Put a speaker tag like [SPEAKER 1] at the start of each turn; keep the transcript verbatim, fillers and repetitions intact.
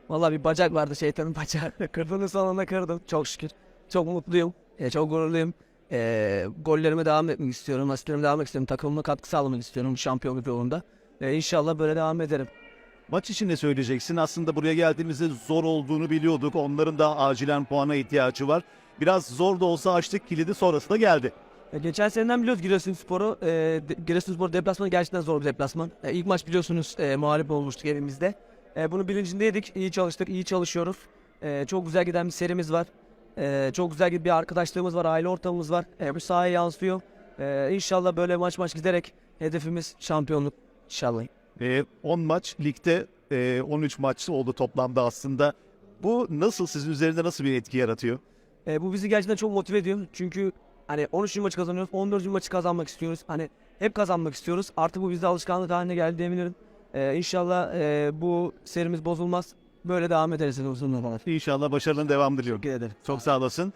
[SPEAKER 1] Vallahi bir bacak vardı, şeytanın bacağı. Kırdığını sonunda kırdım. Çok şükür. Çok mutluyum. E, çok gururluyum. E, gollerime devam etmek istiyorum. Asistlerime devam etmek istiyorum. Takımıma katkı sağlamak istiyorum şampiyonluk yolunda. E, İnşallah böyle devam ederim.
[SPEAKER 2] Maç için ne söyleyeceksin? Aslında buraya geldiğimizde zor olduğunu biliyorduk. Onların da acilen puana ihtiyacı var. Biraz zor da olsa açtık kilidi, sonrası da geldi.
[SPEAKER 1] E, geçen seneden biliyoruz Giresunspor'u. E, de- Giresunspor deplasmanı gerçekten zor bir deplasman. E, ilk maç biliyorsunuz e, mağlup olmuştuk evimizde. E, bunu bilincindeydik. İyi çalıştık, iyi çalışıyoruz. E, çok güzel giden bir serimiz var. E, çok güzel bir arkadaşlığımız var, aile ortamımız var. E, bu sahaya yansıyor. E, İnşallah böyle maç maç giderek hedefimiz şampiyonluk inşallah.
[SPEAKER 2] Ee, on maç ligde, e, on üç maç oldu toplamda aslında. Bu nasıl, sizin üzerinde nasıl bir etki yaratıyor?
[SPEAKER 1] E, bu bizi gerçekten çok motive ediyor. Çünkü hani on üçüncü maçı kazanıyoruz, on dördüncü maçı kazanmak istiyoruz. Hani hep kazanmak istiyoruz. Artık bu bizde alışkanlık haline geldi diyebilirim. E, İnşallah e, bu serimiz bozulmaz. Böyle devam ederiz uzun zaman.
[SPEAKER 2] İnşallah başarının devamı diliyorum.
[SPEAKER 1] Teşekkür ederim.
[SPEAKER 2] Çok sağ olasın.